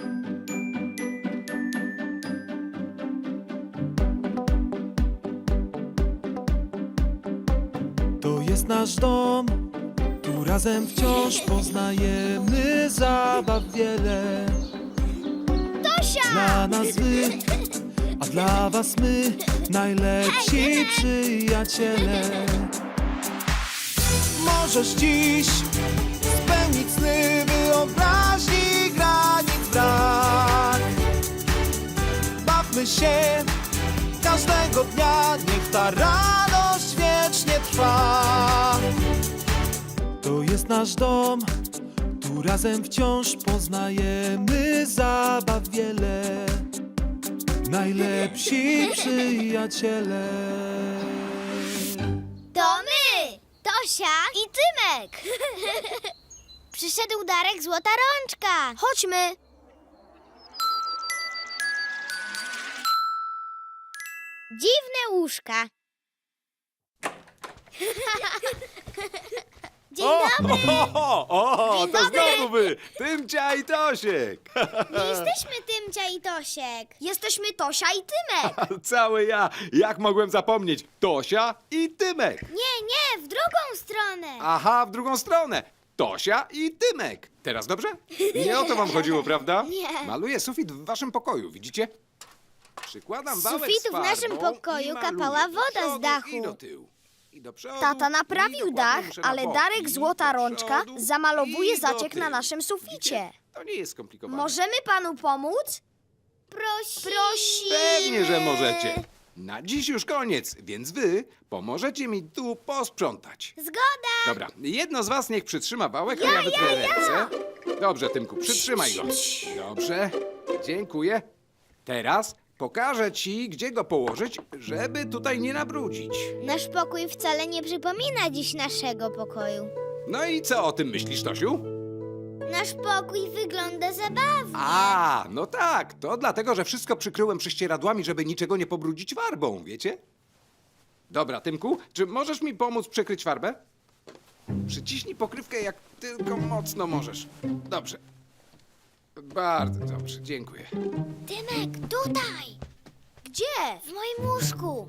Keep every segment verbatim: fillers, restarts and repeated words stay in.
To jest nasz dom, tu razem wciąż poznajemy zabaw wiele. Tosia! Dla nas wy, a dla was my, najlepsi przyjaciele. Możesz dziś spełnić sny wyobraźni, granic brak. Bawmy się każdego dnia, niech ta radość wiecznie trwa. To jest nasz dom, tu razem wciąż poznajemy zabaw wiele. Najlepsi przyjaciele. To my! Tosia i Tymek! Przyszedł Darek Złota Rączka. Chodźmy! Dziwne łóżka. Dzień dobry! O, o, Dzień to dobry. znowu wy! Tymcia i Tosiek! Nie jesteśmy Tymcia i Tosiek. Jesteśmy Tosia i Tymek. Cały ja! Jak mogłem zapomnieć? Tosia i Tymek! Nie, nie, w drugą stronę. Aha, w drugą stronę! Tosia i Tymek! Teraz dobrze? Nie o to wam chodziło, prawda? Nie. Maluję sufit w waszym pokoju, widzicie? Przykładam Z wałek sufitu z w farbą naszym pokoju i maluję kapała do woda z przodu dachu. I do tyłu. I do przodu, Tata i naprawił dokładnie dach, muszę na ale bok. Darek I Złota do Rączka przodu, zamalowuje i do zaciek na tyłu. naszym suficie. Widzicie? To nie jest skomplikowane. Możemy panu pomóc? Prosimy. Prosimy. Pewnie, że możecie. Na dziś już koniec, więc wy pomożecie mi tu posprzątać. Zgoda. Dobra, jedno z was niech przytrzyma wałek, a ja wytrę ręce. Dobrze, Tymku, przytrzymaj go. Dobrze, dziękuję. Teraz pokażę ci, gdzie go położyć, żeby tutaj nie nabrudzić. Nasz pokój wcale nie przypomina dziś naszego pokoju. No i co o tym myślisz, Tosiu? Nasz pokój wygląda zabawnie. A, no tak, to dlatego, że wszystko przykryłem prześcieradłami, żeby niczego nie pobrudzić farbą, wiecie? Dobra, Tymku, czy możesz mi pomóc przykryć farbę? Przyciśnij pokrywkę jak tylko mocno możesz. Dobrze. Bardzo dobrze, dziękuję. Tymek, tutaj. Gdzie? W moim łóżku.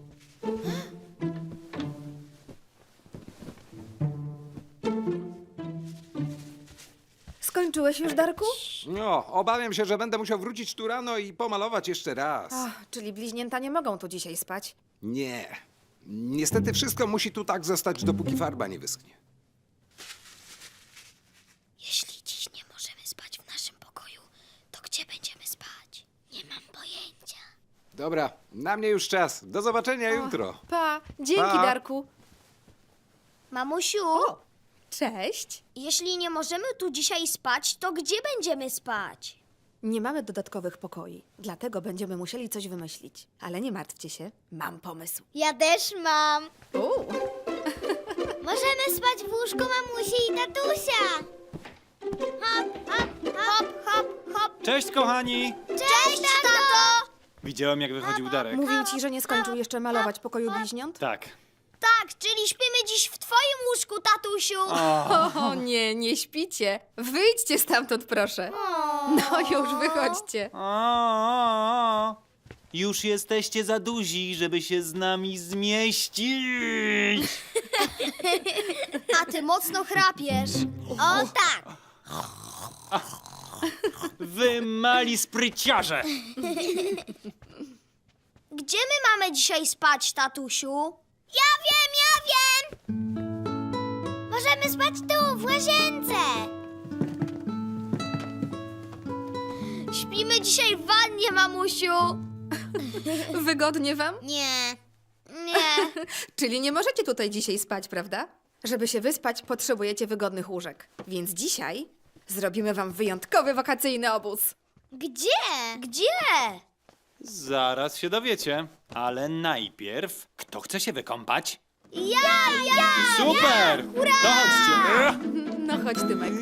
Skończyłeś już, Darku? No, obawiam się, że będę musiał wrócić tu rano i pomalować jeszcze raz. Ach, czyli bliźnięta nie mogą tu dzisiaj spać. Nie. Niestety wszystko musi tu tak zostać, dopóki farba nie wyschnie. Jeśli dziś nie możemy spać w naszym pokoju, to gdzie będziemy spać? Nie mam pojęcia. Dobra, na mnie już czas. Do zobaczenia jutro. Pa, dzięki, Pa. Darku. Mamusiu, Cześć. jeśli nie możemy tu dzisiaj spać, to gdzie będziemy spać? Nie mamy dodatkowych pokoi, dlatego będziemy musieli coś wymyślić. Ale nie martwcie się, mam pomysł. Ja też mam. U, Możemy spać w łóżku mamusi i tatusia. Hop, hop, hop, hop, hop. Cześć, kochani! Cześć, tato! Widziałem, jak wychodził Darek. mówił ci, że nie skończył jeszcze malować pokoju bliźniąt? Tak. Tak, czyli śpimy dziś w twoim łóżku, tatusiu. O nie, nie śpicie. Wyjdźcie stamtąd, proszę. No już, wychodźcie. O, o, o. Już jesteście za duzi, żeby się z nami zmieścić. A ty mocno chrapiesz. O tak. Wy mali spryciarze. Gdzie my mamy dzisiaj spać, tatusiu? Ja wiem, ja wiem! Możemy spać tu, w łazience. Śpimy dzisiaj w wannie, mamusiu. Wygodnie wam? Nie, nie. Czyli nie możecie tutaj dzisiaj spać, prawda? Żeby się wyspać, potrzebujecie wygodnych łóżek. Więc dzisiaj zrobimy wam wyjątkowy wakacyjny obóz. Gdzie? Gdzie? Zaraz się dowiecie. Ale najpierw, kto chce się wykąpać? Ja, ja! Super! To chodźcie. No chodź, Tymek.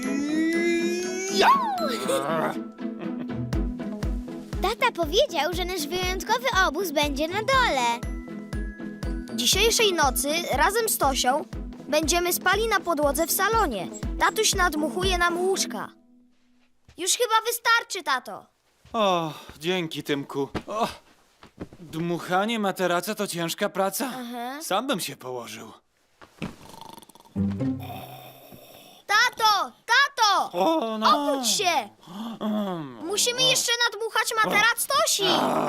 Tata powiedział, że nasz wyjątkowy obóz będzie na dole. Dzisiejszej nocy razem z Tosią będziemy spali na podłodze w salonie. Tatuś nadmuchuje nam łóżka. Już chyba wystarczy, tato. O, dzięki, Tymku. O, dmuchanie materaca to ciężka praca. Sam bym się położył. Tato, tato! O, no. Obudź się! Musimy jeszcze nadmuchać materac Tosi.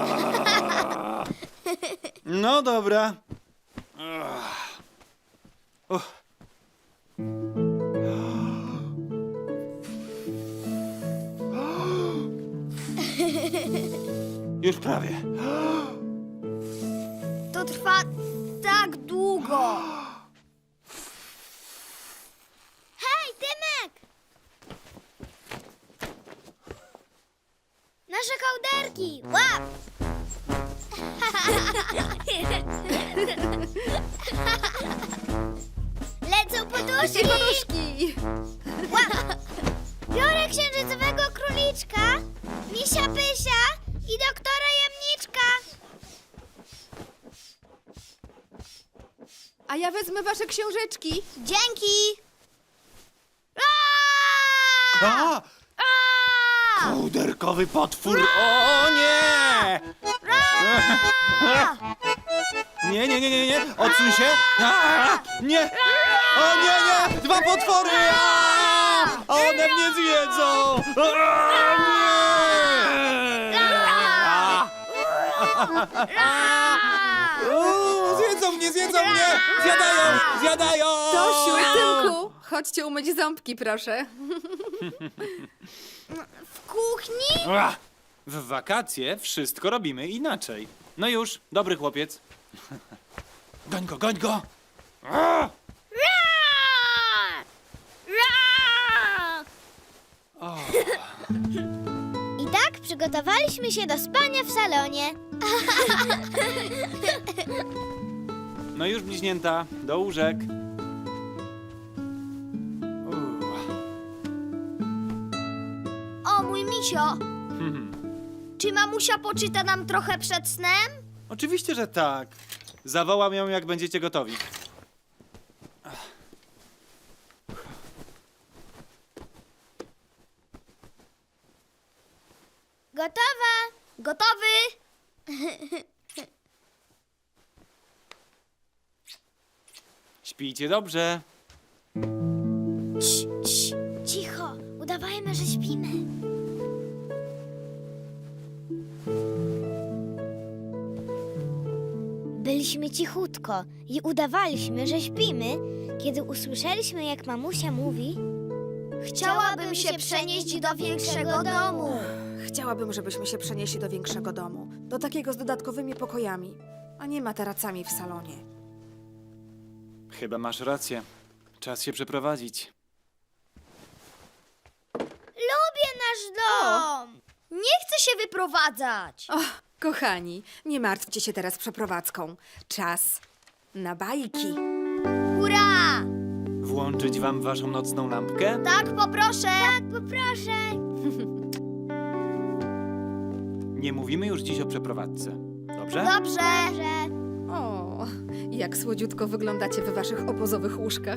No dobra. Ach. Uff. Już prawie. To trwa tak długo. Hej, Tymek! Nasze kołderki! Łap! Lecą poduszki! Poduszki! Łap! Biorę księżycowego króliczka, misia Pysia i doktora Jamniczka. A ja wezmę wasze książeczki. Dzięki! A! Kołderkowy potwór! O nie! Nie, nie, nie, nie, nie! Odsuń się! A! Nie! O nie, nie! Dwa potwory! A! A one mnie zjedzą! A! Nie! O, zjedzą mnie, zjedzą mnie! Zjadają! Zjadają! Tosiu, Tymku, chodźcie umyć ząbki, proszę. W kuchni? Ach, w wakacje wszystko robimy inaczej. No już, dobry chłopiec. Goń go, goń go! A! O, I tak przygotowaliśmy się do spania w salonie. no już, bliźnięta, do łóżek. U, O, mój misio, hmm. czy mamusia poczyta nam trochę przed snem? Oczywiście, że tak. Zawołam ją, jak będziecie gotowi. Gotowa. Gotowy. Śpijcie dobrze. Cii, cii, cicho, udawajmy, że śpimy. Byliśmy cichutko i udawaliśmy, że śpimy, kiedy usłyszeliśmy, jak mamusia mówi: chciałabym się przenieść do większego domu. Chciałabym, żebyśmy się przenieśli do większego domu. Do takiego z dodatkowymi pokojami, a nie materacami w salonie. Chyba masz rację. Czas się przeprowadzić. Lubię nasz dom. Nie chcę się wyprowadzać. O, kochani, nie martwcie się teraz przeprowadzką. Czas na bajki. Hurra! Włączyć wam waszą nocną lampkę? Tak, poproszę. Tak, poproszę. Nie mówimy już dziś o przeprowadzce. Dobrze? Dobrze. O, jak słodziutko wyglądacie w waszych obozowych łóżkach.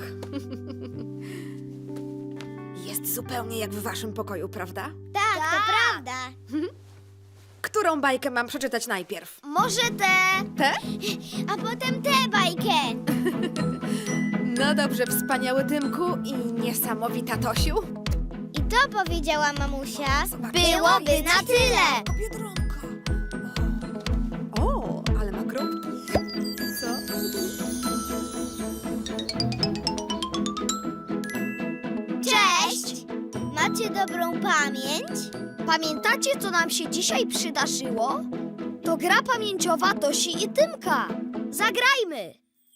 Jest zupełnie jak w waszym pokoju, prawda? Tak, to prawda. Którą bajkę mam przeczytać najpierw? Może tę, Tę? a potem tę bajkę. No dobrze, wspaniały Tymku i niesamowita Tosiu. I to powiedziała mamusia. Zobaczcie, Byłoby na tyle. Biedronka. O, o, ale ma kropki. Co? Cześć! Macie dobrą pamięć? Pamiętacie, co nam się dzisiaj przydarzyło? To gra pamięciowa Tosi i Tymka. Zagrajmy!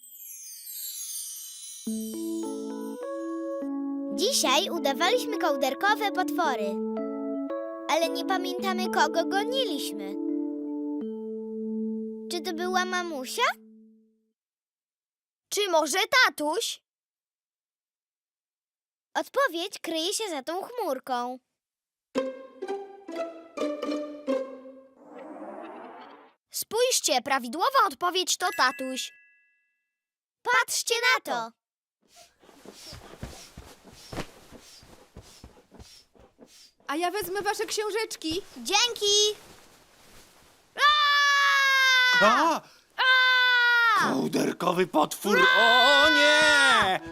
Dzisiaj udawaliśmy kołderkowe potwory, ale nie pamiętamy, kogo goniliśmy. Czy to była mamusia? Czy może tatuś? Odpowiedź kryje się za tą chmurką. Spójrzcie, prawidłowa odpowiedź to tatuś. Patrzcie na to! A ja wezmę wasze książeczki. Dzięki! A! Kołderkowy potwór! O nie!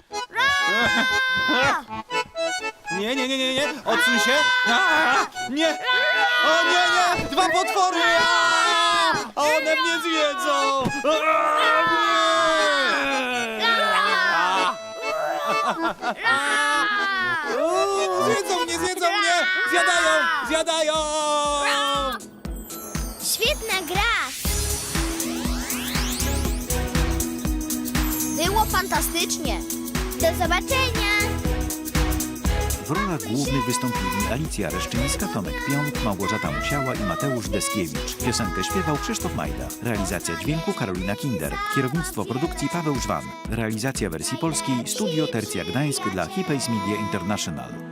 Nie, nie, nie, nie, nie! Odsuń się! A! Nie! O nie, nie! Dwa potwory! A! One mnie zjedzą! A! Nie! Uuu, Zjedzą mnie, zjedzą mnie! Zjadają! Zjadają! Świetna gra! Było fantastycznie! Do zobaczenia! W rolach głównych wystąpili Alicja Reszczyńska, Tomek Pionk, Małgorzata Musiała i Mateusz Deskiewicz. Piosenkę śpiewał Krzysztof Majda. Realizacja dźwięku Karolina Kinder. Kierownictwo produkcji Paweł Żwan. Realizacja wersji polskiej Studio Tercja Gdańsk dla Hipays Media International.